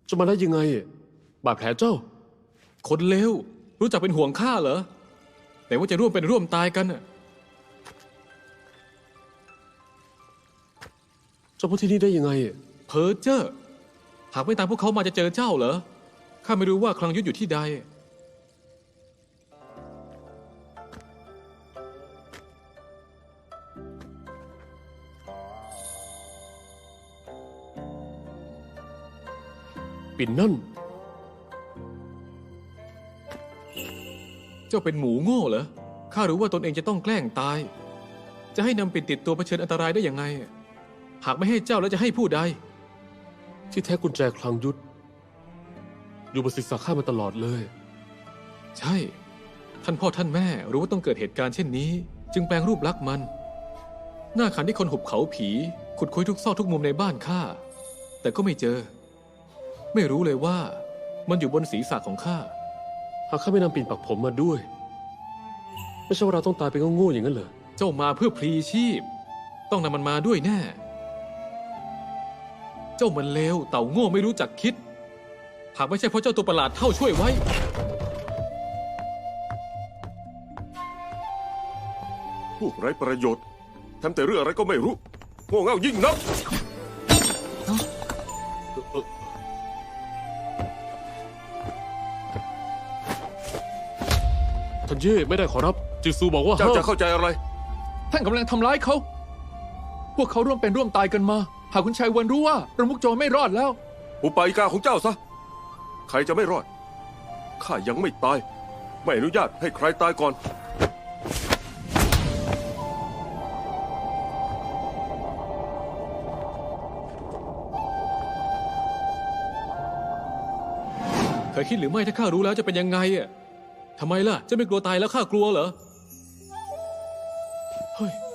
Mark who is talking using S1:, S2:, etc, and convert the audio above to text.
S1: จะมาได้ยังไงบาดแผลเจ้า
S2: คนเลวรู้จักเป็นห่วงข้าเหรอแต่ว่าจะร่วมเป็นร่วมตายกันน่ะ
S1: เจ้าพูดที่นี่ได้ยังไง
S2: เพ้อเจ้อหากไม่ตามพวกเขามาจะเจอเจ้าเหรอข้าไม่รู้ว่าคลังยุทธอยู่ที่ใด
S1: ปิ่นนั่น
S2: เจ้าเป็นหมูโง่เหรอข้ารู้ว่าตนเองจะต้องแกล้งตายจะให้นำปิ่นติดตัวเผชิญอันตรายได้ยังไงหากไม่ให้เจ้าแล้วจะให้ผู้ใด
S1: ที่แท้กุญแจคลังยุทธอยู่บนศีรษะข้ามาตลอดเลย
S2: ใช่ท่านพ่อท่านแม่รู้ว่าต้องเกิดเหตุการณ์เช่นนี้จึงแปลงรูปลักษณ์มันหน้าขันที่คนหุบเขาผีขุดคุยทุกซอกทุกมุมในบ้านข้าแต่ก็ไม่เจอไม่รู้เลยว่ามันอยู่บนศีรษะของข้า
S1: หากข้าไม่นำปิ่นปักผมมาด้วยไม่ใช่ว่าเราต้องตายไปโง่ๆอย่างนั้นเหรอ
S2: เจ้ามาเพื่อพลีชีพต้องนำมันมาด้วยแน่เจ้ามันเลวเต่าโง่ไม่รู้จักคิดหากไม่ใช่เพราะเจ้าตัวประหลาดเท่าช่วยไว้
S3: พวกไร้ประโยชน์ทำแต่เรื่องอะไรก็ไม่รู้โง่เง่ายิ่งนัก
S1: ท่านเย่ไม่ได้ขอรับจิซูบอกว่า
S3: เจ้าจะเข้าใจอะไร
S4: ท่านกำลังทำร้ายเขาพวกเขาร่วมเป็นร่วมตายกันมาหากคุณชายวันรู้ว่าประมุขโจรไม่รอดแล้ว
S3: อุปายิกาของเจ้าซะใครจะไม่รอดข้ายังไม่ตายไม่อนุญาตให้ใครตายก่อน
S2: เคยคิดหรือไม่ถ้าข้ารู้แล้วจะเป็นยังไงทำไมล่ะจะไม่กลัวตายแล้วข้ากลัวเหรอเฮ้ย